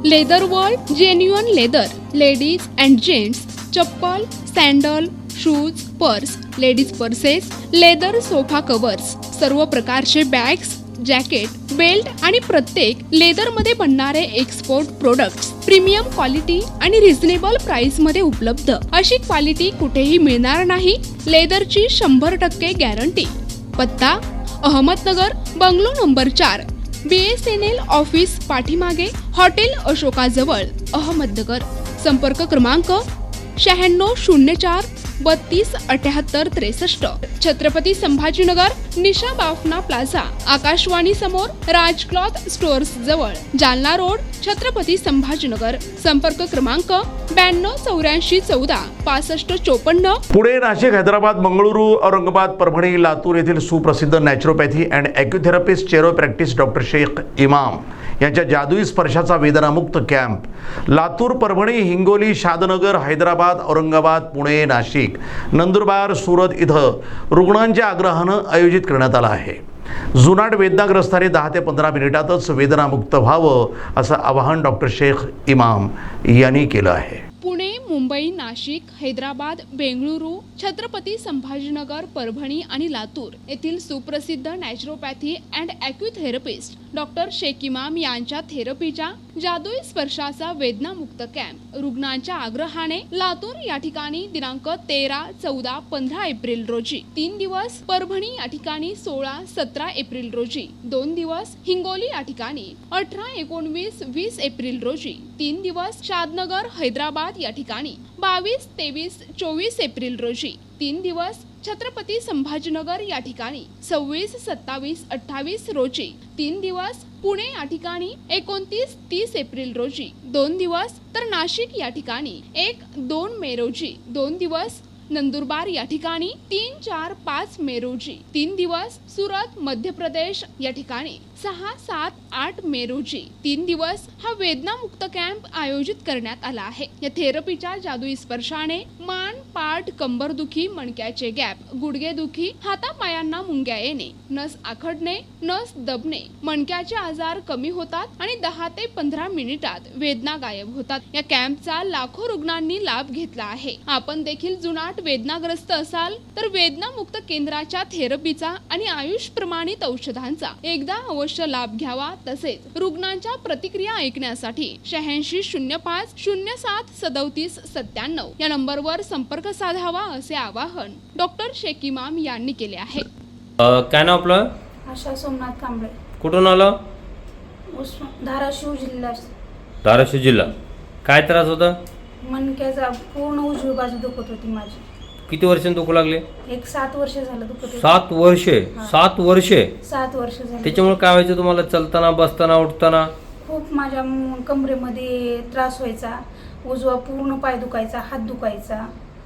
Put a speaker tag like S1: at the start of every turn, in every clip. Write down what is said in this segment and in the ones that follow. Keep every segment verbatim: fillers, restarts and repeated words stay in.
S1: Leather world genuine leather ladies and gents chappal, sandal, shoes, purse, ladies purses, leather sofa covers, सर्व प्रकारचे bags, jacket, belt आणि प्रत्येक लेदरमध्ये बनणारे एक्सपोर्ट प्रोडक्ट्स प्रीमियम क्वालिटी आणि reasonable price मध्ये उपलब्ध. अशी क्वालिटी कुठेही मिळणार नाही. लेदरची शंभर टक्के गॅरंटी. पत्ता अहमदनगर, बंगलो नंबर चार, B S N L office पाठीमागे, हॉटेल अशोकाजवळ, अहमदनगर. संपर्क क्रमांक शहाण्णव शून्य चार बत्तीस अठ्याहत्तर त्रेसष्ट. छत्रपती संभाजीनगर, निशा बाफना प्लाझा, आकाशवाणी समोर, राज क्लॉथ स्टोअर्स जवळ, जालना रोड, छत्रपती संभाजीनगर. संपर्क क्रमांक ब्याण्णव चौऱ्याऐंशी चौदा पासष्ट चोपन्न.
S2: पुणे, नाशिक, हैदराबाद, मंगळुरू, औरंगाबाद, परभणी, लातूर येथील सुप्रसिद्ध naturopathy and acutherapist chiro practice doctor Shaikh Imam यांच्या जादुई स्पर्शाचा वेदनामुक्त कॅम्प लातूर, परभणी, हिंगोली, शादनगर, हैदराबाद, औरंगाबाद, पुणे, नाशिक, नंदुरबार, सुरत इथं रुग्णांच्या आग्रहानं आयोजित करण्यात आला आहे. जुनाट वेदनाग्रस्तांनी दहा ते पंधरा मिनिटातच वेदनामुक्त व्हावं असं आवाहन डॉक्टर शेख इमाम यांनी केलं आहे.
S1: पुणे, मुंबई, नाशिक, हैदराबाद, बेंगळुरू, छत्रपती संभाजीनगर, परभणी आणि लातूर येथील सुप्रसिद्ध naturopathy and acutherapist doctor Shaikh Imam यांच्या थेरपीच्या जादुई स्पर्शाचा वेदनामुक्त कॅम्प रुग्णांच्या आग्रहाने लातूर या ठिकाणी दिनांक तेरा, चौदा, पंधरा एप्रिल रोजी तीन दिवस, परभणी या ठिकाणी सोळा, सतरा एप्रिल रोजी दोन दिवस, हिंगोली या ठिकाणी अठरा, एकोणवीस, वीस एप्रिल रोजी तीन दिवस, शादनगर, हैदराबाद या ठिकाणी बावीस, तेवीस, चोवीस एप्रिल रोजी तीन दिवस, छत्रपती संभाजीनगर या ठिकाणी सव्वीस, सत्तावीस, अठ्ठावीस रोजी तीन दिवस, पुणे या ठिकाणी एकोणतीस, तीस एप्रिल रोजी दोन दिवस, तर नाशिक या ठिकाणी एक, दोन मे रोजी दोन दिवस, नंदुरबार या ठिकाणी तीन, चार, पाच मे रोजी तीन दिवस, सुरत, मध्य प्रदेश या ठिकाणी सहा, सात, आठ मे रोजी तीन दिवस हा वेदनामुक्त कॅम्प आयोजित करण्यात आला आहे. या थेरपीच्या जादुई स्पर्शाने मान, पाठ, कंबरदुखी, मणक्याचे गॅप, गुडघेदुखी, हातापायांना मुंग्या येणे, नस आखडणे, नस दबणे, मणक्याचे आजार कमी होतात आणि दहा ते पंधरा मिनिटात वेदना गायब होतात. या कॅम्पचा लाखो रुग्णांनी लाभ घेतला आहे. आपण देखील जुनाट वेदनाग्रस्त असाल तर वेदनामुक्त केंद्राच्या थेरपीचा आणि आयुष प्रमाणित औषधांचा एकदा अवश्य लाभ घ्यावा. तसेच रुग्णांच्या प्रतिक्रिया ऐकण्यासाठी शहाऐंशी शून्य पाच शून्य सात सदोतीस सत्त्याण्णव या नंबरवर संपर्क साधावा असे आवाहन डॉक्टर शेख इमाम यांनी केले आहे.
S3: काय नाव आपलं?
S4: आशा सोमनाथ कांबळे.
S3: कुठून आलं?
S4: धाराशिव जिल्हा.
S3: धाराशिव जिल्हा. काय त्रास होता?
S4: मणक्याचा पूर्ण उजवी बाजू दुखत होती माझी.
S3: किती वर्षांनी दुखू लागले?
S4: एक सात वर्ष झालं दुखत होती.
S3: सात वर्षे? सात वर्षे
S4: सात वर्ष झाली.
S3: त्याच्यामुळे काय व्हायचं तुम्हाला? चलताना, बसताना, उठताना?
S4: खूप माझ्या कमरेमध्ये त्रास व्हायचा. उजवा पूर्ण पाय दुखायचा, हात दुखायचा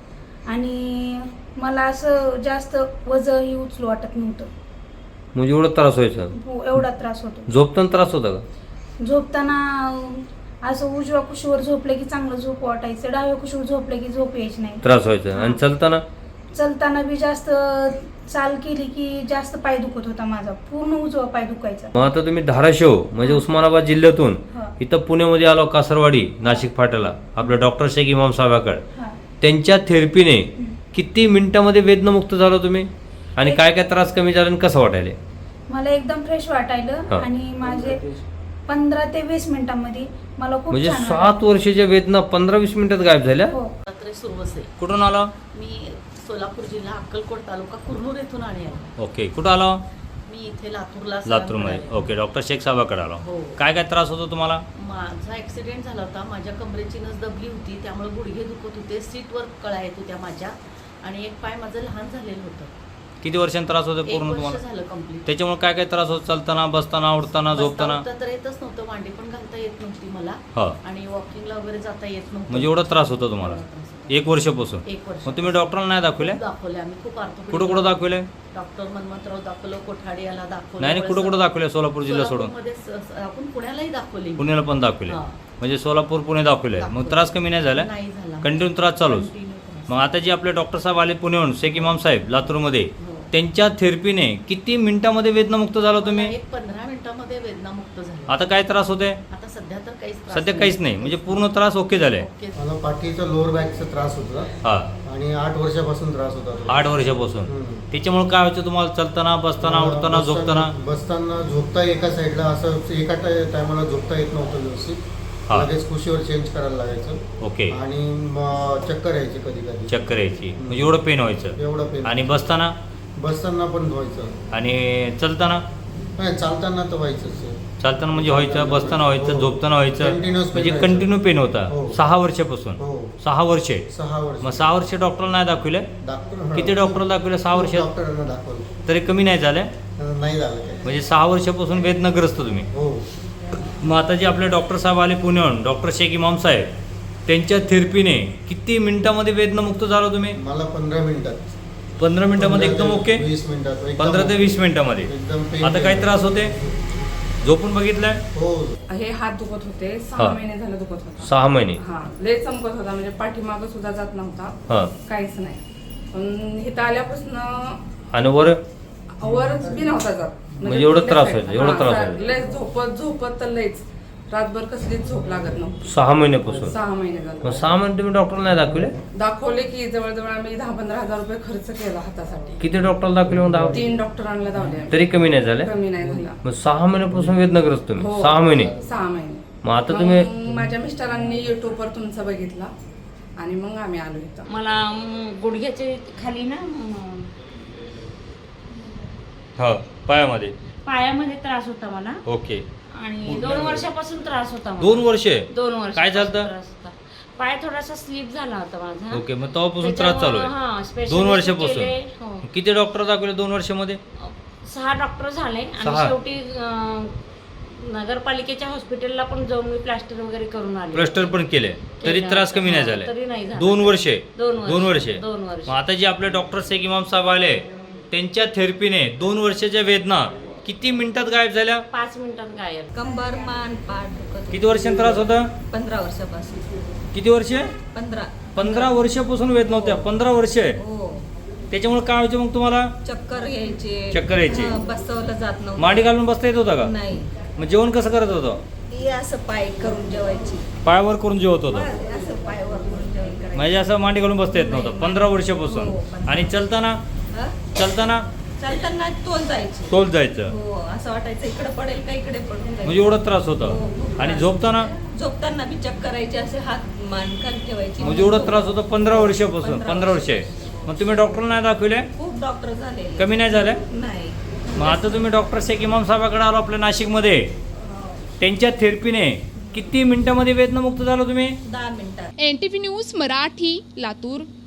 S4: आणि मला असं जास्त वजनही उचलू वाटत नव्हतं.
S3: म्हणजे एवढा त्रास व्हायचा?
S4: हो, एवढा त्रास होतो.
S3: झोपताना त्रास होता का?
S4: झोपताना असं उजव्या कुशीवर झोपले की चांगलं झोप वाटायचं, डाव्या कुशीवर झोपले की झोप यायची नाही.
S3: त्रास व्हायचा. आणि चलताना?
S4: चलताना बी जास्त चाल केली की जास्त पाय दुखत होता माझा, पूर्ण उजवा पाय दुखायचा.
S3: मग आता तुम्ही धाराशिव म्हणजे उस्मानाबाद जिल्ह्यातून इथं पुण्यामध्ये आलो, कासरवाडी, नाशिक फाट्याला, आपल्या डॉक्टर शेख इमाम साहेबाकडे. त्यांच्या थेरपीने किती मिनिटामध्ये वेदनामुक्त झालो तुम्ही? आणि काय काय त्रास कमी झाला आणि कसं वाटायला?
S4: मला एकदम फ्रेश वाटायलं आणि माझे पंधरा ते वीस मिनिटांमध्ये मला खूप
S3: म्हणजे सात वर्षाच्या वेदना पंधरा वीस मिनिटात गायब झाल्या. कुठून आला?
S5: मी सोलापूर जिल्हा, अक्कलकोट तालुका, कुरनूर येथून आले आहे.
S3: ओके. कुठं आला?
S5: मी इथे लातूरला.
S3: लातूरमध्ये. ओके. डॉक्टर शेख साहेबाकडे आला.
S5: हो.
S3: काय काय त्रास होतो तुम्हाला?
S5: माझा ऍक्सिडेंट झाला होता. माझ्या कमरेची नस दबली होती, त्यामुळे गुडघे दुखत होते, सीटवर कळा येत होत्या माझ्या आणि एक पाय माझं लहान झालेलं होतं.
S3: किती वर्षांनी त्रास होतो पूर्ण तुम्हाला?
S5: झालं कंप्लीट.
S3: त्याच्यामुळे काय काय त्रास होत? चालताना, बसताना, उठताना, झोपताना?
S5: तर येतच नव्हतं, मांडी पण घालता येत नव्हती मला आणि वॉकिंगला वगैरे जाता येत नव्हतं.
S3: म्हणजे एवढा त्रास होता तुम्हाला एक वर्षापासून?
S5: एक वर्ष.
S3: मग तुम्ही डॉक्टरांना नाही दाखवले?
S5: दाखवले आम्ही खूप.
S3: कुठं कुठं दाखवले?
S5: डॉक्टर मनमंतराव दाखवलं, कोठाडे याला दाखवलं.
S3: नाही, कुठं कुठं दाखवले? सोलापूर जिल्हा सोडून
S5: आपण पुण्यालाही दाखवले.
S3: पुण्याला पण दाखवले? म्हणजे सोलापूर, पुणे दाखवले. मग त्रास कमी नाही झाला?
S5: नाही झाला.
S3: कंटिन्यू त्रास चालूच? मग आता जे आपले डॉक्टर साहेब आले पुण्याहून, शेख इमाम साहेब लातूरमध्ये, त्यांच्या थेरपीने किती मिनिटामध्ये वेदनामुक्त झाला तुम्ही?
S5: एक पंधरा मिनिटामध्ये वेदनामुक्त झाले.
S3: आता काय त्रास होते?
S5: आता सध्या तर काहीच त्रास
S3: सध्या काहीच नाही, म्हणजे पूर्ण त्रास ओके झाले.
S5: ओके.
S6: मला पाठीचा लोअर बॅकचा त्रास होता
S3: हा,
S6: आणि आठ वर्षापासून त्रास होता तो.
S3: आठ वर्षापासून.
S6: हम्म.
S3: त्याच्यामुळे काय व्हायचं तुम्हाला? चालताना, बसताना, उठताना, झोपताना?
S6: बसताना झोपता एका साईडला असं एका टायमाला झोपता येत नव्हतं व्यवस्थित.
S3: हा.
S6: लगेच कुशीवर चेंज करायला लागायचं
S3: ओके.
S6: आणि मग चक्कर यायची कधी कधी.
S3: चक्कर यायची, म्हणजे एवढं पेन व्हायचं.
S6: एवढं पेन.
S3: आणि बसताना
S6: बसताना पण व्हायचं
S3: आणि चालताना?
S6: नाही, चालताना तर व्हायचंच.
S3: चालताना म्हणजे व्हायचं, बसताना व्हायचं,
S6: हो.
S3: झोपताना व्हायचं,
S6: Continuous pain
S3: म्हणजे
S6: व्हायचं.
S3: कंटिन्यू पेन होता.
S6: हो.
S3: सहा वर्षापासून?
S6: हो.
S3: सहा वर्षे.
S6: सहा वर्ष.
S3: मग सहा वर्ष डॉक्टरला नाही दाखविले?
S6: डॉक्टर
S3: किती डॉक्टरला दाखविले सहा वर्षात?
S6: डॉक्टरांना दाखवलं
S3: तरी कमी नाही झाले?
S6: नाही झालं काय.
S3: म्हणजे सहा वर्षापासून वेदनाग्रस्त तुम्ही.
S6: हो.
S3: मग आता जे आपले डॉक्टर साहेब आले पुण्याहून, डॉक्टर शेख इमाम साहेब, त्यांच्या थेरपीने किती मिनिटामध्ये वेदनामुक्त झाला तुम्ही?
S6: मला पंधरा मिनिटात.
S3: पंधरा मिनिटामध्ये एकदम ओके?
S6: वीस मिनिटात एकदम
S3: पंधरा ते वीस मिनिटामध्ये.
S6: एकदम pain
S3: आता काय त्रास होते? झोपून बघितलंय?
S6: हो.
S7: हे हात दुखत होते,
S3: हा.
S7: सहा महिने झालं दुखत होता.
S3: सहा महिने.
S7: हा, लय चमकत होता, म्हणजे पाठीमागं सुद्धा जात नव्हता,
S3: हा.
S7: काहीच नाही. पण इथं आल्यापासून
S3: आणि वर
S7: वरच बी नव्हता जात.
S3: म्हणजे एवढं त्रास
S7: लय-
S3: व्हायचा, एवढं
S7: हा,
S3: त्रास
S7: सा-
S3: व्हायचा.
S7: लय झोपत झोपत तर लयच रातभर कसलीच झोप लागत नव्हती.
S3: सहा महिन्यापासून?
S7: सहा महिने
S3: मग
S7: झालं.
S3: सहा महिने तुम्ही डॉक्टरला नाही दाखविले?
S7: दाखवले की जवळजवळ आम्ही दहा पंधरा हजार रुपये खर्च केला हातासाठी.
S3: किती डॉक्टरला दाखविले मग? दहा?
S7: तीन डॉक्टरांना धावले आम्ही.
S3: तरी कमी नाही झाले?
S7: कमी नाही झाला.
S3: मग सहा महिन्यापासून वेदनाग्रस्त तुम्ही?
S7: हो.
S3: सहा महिने.
S7: सहा महिने.
S3: मग आता तुम्ही
S7: मग माझ्या मिस्टरांनी युट्यूबवर तुमचा बघितला आणि मग आम्ही आलो इथं.
S8: मला म, गुडघ्याचे खाली ना म,
S3: हा, पायामध्ये?
S8: पायामध्ये त्रास होता मला
S3: ओके.
S8: आणि दोन वर्षापासून त्रास होता मला.
S3: दोन वर्षे?
S8: दोन वर्ष
S3: काय झालं?
S8: त्रास होता. पाय थोडासा स्लिप झाला होता माझा.
S3: ओके, मग तेव्हापासून त्रास चालू
S8: त्याच्यामुळं, हा,
S3: आहे?
S8: specialist
S3: दोन वर्षापासून?
S8: केले, हो.
S3: किती डॉक्टर दाखवले दोन वर्षामध्ये?
S8: सहा डॉक्टर झाले
S3: सहा?
S8: आणि शेवटी अं, नगरपालिकेच्या हॉस्पिटलला पण जाऊन मी प्लास्टर वगैरे करून आले.
S3: प्लास्टर पण केले, तरी
S8: केलं.
S3: त्रास कमी नाही
S8: हा,
S3: झाले?
S8: तरी नाही झाला.
S3: दोन वर्षे?
S8: दोन वर्ष.
S3: दोन वर्षे.
S8: दोन वर्ष.
S3: मग आता जे आपले डॉक्टर शेख इमाम साहेब आले, त्यांच्या थेरपीने दोन वर्षाच्या वेदना किती मिनिटात गायब झाल्या?
S8: पाच मिनिटात गायब.
S9: कंबर मान पाठ दुखत
S3: किती वर्षांनी त्रास होता?
S9: पंधरा वर्षापासून.
S3: किती वर्षे?
S9: पंधरा.
S3: पंधरा वर्षापासून वेदना होत्या? पंधरा वर्षे.
S9: हो.
S3: त्याच्यामुळे काय व्हायचं मग तुम्हाला?
S9: चक्कर यायचे.
S3: चक्कर यायची.
S9: हा, बसवलं जात नव्हतं.
S3: मांडी घालून बसता येत होता का?
S9: नाही.
S3: मग जेवण कसं करत होतं?
S9: ही असं पाय करून जेवायची.
S3: पायावर करून जेवत होतं?
S9: असं पायवर करून जेवण करायचं.
S3: म्हणजे असं मांडी घालून बसता येत नव्हतं पंधरा वर्षापासून?
S9: हो, पंधरा.
S3: आणि चलताना?
S9: हा?
S3: चलताना
S9: चालताना तोल जायची.
S3: तोल जायचं?
S9: हो, असं वाटायचं इकडे पडेल का इकडे पडून जायचं.
S3: म्हणजे एवढा त्रास होता?
S9: हो, खूप
S3: आणि
S9: त्रास.
S3: झोपताना?
S9: झोपताना बी चक्कर यायचे, असे हात मान खाली ठेवायची.
S3: म्हणजे एवढा त्रास होता पंधरा वर्षापासून?
S9: पंधरा
S3: पंधरा वर्षे. मग तुम्ही डॉक्टरला नाही दाखविले?
S9: खूप डॉक्टर झाले.
S3: कमी नाही झाले?
S9: नाही.
S3: मग आता तुम्ही डॉक्टर शेख इमाम साहेबाकडे आलो आपल्या नाशिकमध्ये, त्यांच्या थेरपीने किती मिनिटामध्ये वेदनामुक्त झाला तुम्ही?
S9: दहा मिनिटात.
S1: N T V news Marathi, Latur.